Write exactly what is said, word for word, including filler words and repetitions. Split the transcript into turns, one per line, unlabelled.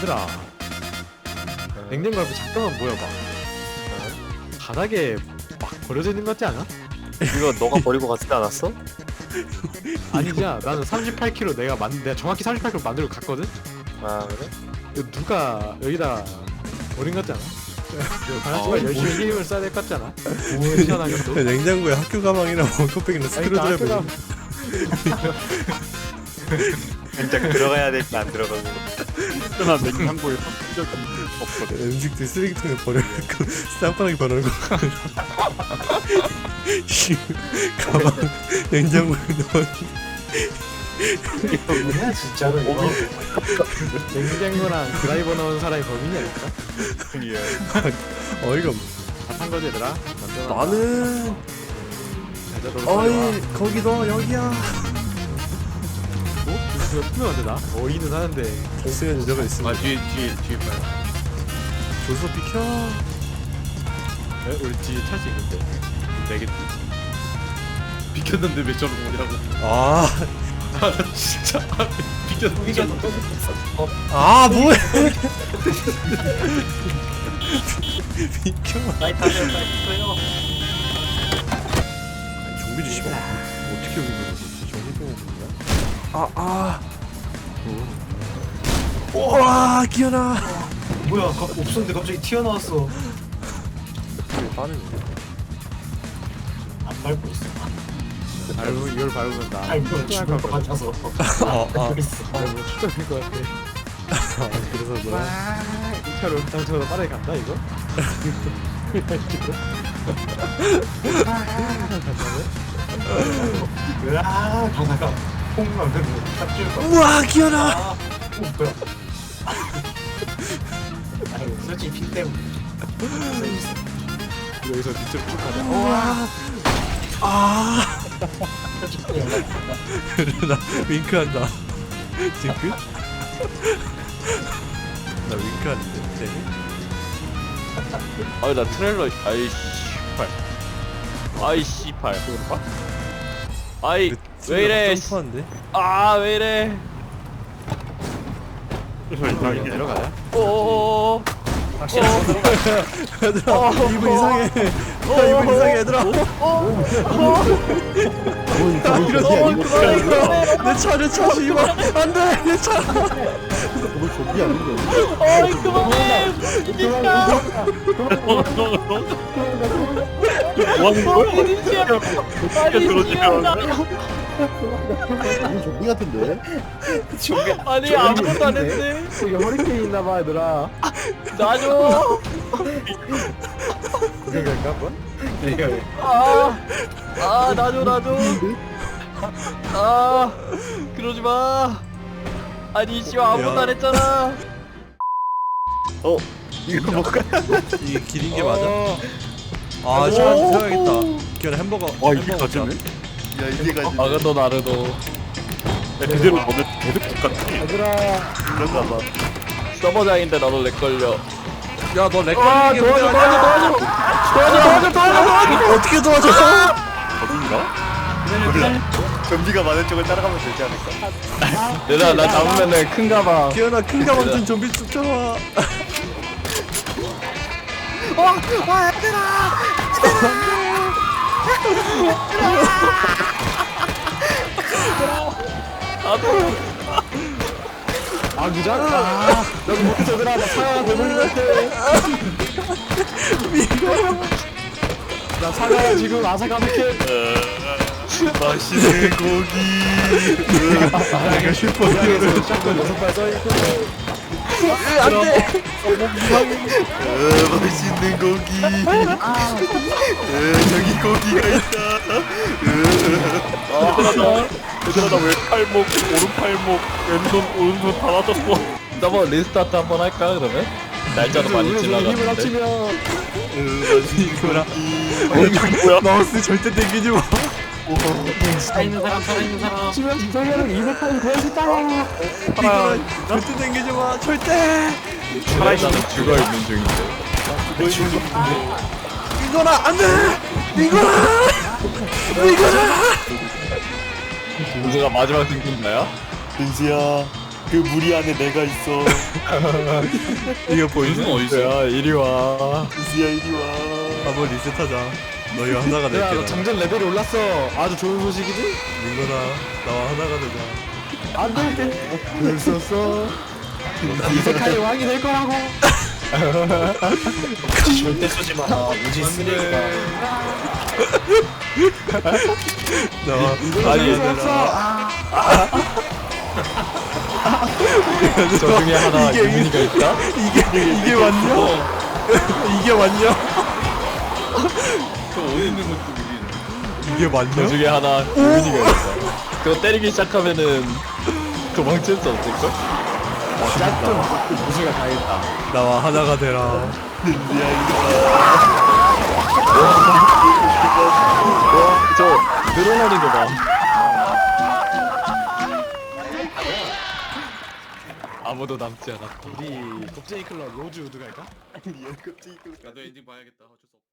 얘들아, 냉장고 앞에 잠깐만 모여봐. 바닥에 막 버려져 있는 것 같지 않아?
이거 너가 버리고 갔지 않았어?
아니잖아. 나는 삼십팔 킬로그램 내가 만 내가 정확히 삼십팔 킬로그램 만들고 갔거든.
아 그래?
이거 누가 여기다 버린 것 같지 않아? 하지만
어,
열심히 힘을 써야 될 것 같지 않아? 시원하게 또.
냉장고에 학교 가방이랑 원컵백이랑 스크류드라이버.
진짜 들어가야 될 때 안 들어가고.
난 냉장고에 적이 없거든.
음식들 쓰레기통에 버려놓고 쌍바닥에 버려놓고 씨, 가방 냉장고에 넣어.
뭐야 진짜로 이거.
냉장고랑 드라이버 넣은 사람이 범인이 아닐까?
어이가 없.
다탄 거지 얘들아? 만들어놔.
나는
자, 자, 너도 빨리 와.
어이 거기도 여기야.
어? 이거 투명한데 나? 어이는 하는데.
결승에 여자가 있으면
아 뒤에 뒤에 뒤에 봐요.
조서 비켜.
에? 우리 뒤에 찰 수 있는데. 내겠지?
비켰는데 왜 저런 거냐고.
아,
아 나 진짜 아, 비켰는데
이게
저런
또 어,
아 뭐해? 비켜.
나이 타세요 나이 타세요.
좀비 주시면 어떻게 여기 들어오지? 정신병원 분이야? 아 아. 와 기현아.
뭐야 가, 없었는데 갑자기 튀어나왔어.
왜 빠르네.
안 밟고 있어.
밟으 이걸 밟으면 나.
밟으면 죽을 것 같아서.
아 아.
그랬어.
밟으면 추적일 것 같아.
아, 그래서 너.
이 차로 당초보다 빠르게 간다 이거?
으아 가다가 콩만 되고 탑줄 거.
우와 기현아.
아, 어, 뭐야? 아니 솔직히 피 때문에.
여기서 밑으로 쭉 가자.
우와. 아.
솔직히
나 윙크한다. 지금 끝? 나 윙크하는데 쟤?
아니 나 트레일러 아이 씨발 아이 씨발 아이 왜 이래 씨.
점프하는데?
아 왜 이래
여기 내려가자.
오오오오
얘들아 이분 이상해. 야 이분 이상해 얘들아. 내 차, 내 차, 씨발. 안 돼, 내 차. 너 좀비 아닌가?
어이 그만해 진짜
뭐 하는 거야?
진짜 아니 진짜
이거 좀비 같은데?
아니 아무것도 안 했는데
여기 허리케인 있나봐 얘들아.
나줘
그게 갈까 한번?
내가
아아 나줘 나줘 아 그러지 마 아니 씨발 아무것도 안 했잖아
어 이거 뭐가?
이게 길인 게 맞아? 아, 시간 세워야겠다. 기현아 햄버거.
와 이게
햄버거
가지네?
야 이게 가지.
아그도 나르도
야 그대로 너네 계속 똑같아.
얘들아.
그런가 봐.
서버장인데 나도 렉 걸려
야, 너 렉
아
걸리는 게
도와줘
문제 아니야?
도와줘 도와줘 도와줘 도와줘 도와줘
어떻게 도와줘?
어딘가?
몰라. 좀비가 많은 쪽을 따라가면 되지 않을까?
얘들아 나 잡으면은 큰 가방
기현아, 큰 가방 든 좀비 쫓아와.
아 그잖아. 아, 여기 못 얘들아 나 사과가 되는 것 같아. 나 사과가 지금 아삭아삭해.
맛있는 고기.
내가 슈퍼히어로.
샷건 여섯 발 써있고.
안돼.
어, 맛있는 고기. 어, 저기 고기가 있다.
얘들아 나 왜 팔목 오른팔목 왼손 오른손 다 맞았어.
한번 리스타트 한번 할까 그러면? 날짜도 많이
힘을
지나갔는데
합치면
어, 맛있는
이거라.
고기.
뭐야?
마우스 절대 당기지 마.
살아있는 사람 살아있는 사람.
합치면 이성현은 이백 판이 구할 수 있다.
이거 절대 당기지 마. 절대.
나는 죽어있는 중인데
이거라 안돼. 이거라. 이거라.
누가 마지막 생존자야?
민수야. 그 무리 안에 내가 있어.
이거 보이지?
야 이리 와.
이수야 이리 와.
한번 리셋하자. 너희가 하나가 될게.
야 너 장전 레벨이 올랐어. 아주 좋은 소식이지?
민거다. 나와 하나가 되자.
안돼. 글 썼어. 이세카이 왕이 될 거라고.
절대 쏘지 마. 우지 쓰레기다.
나와.
아니
얘들아.
저 중에 하나
이게-
유민이가 있다.
이게 이게 맞냐? 이게 맞냐?
저 어디 있는 것도 모르겠네.
이게 맞냐?
저 중에 하나 유민이가 있어. 그거 때리기 시작하면은 도망칠 수 없을걸?
짝퉁 무수가 당했다.
나와 하나가 되라.
저 늘어나는 거 봐. 아무도 남지 않았다.
우리 겁쟁이 클럽 로즈 우드 갈까?
아니야 갑자기 그거.
나도 엔딩 봐야겠다. 어쩔 수 없어.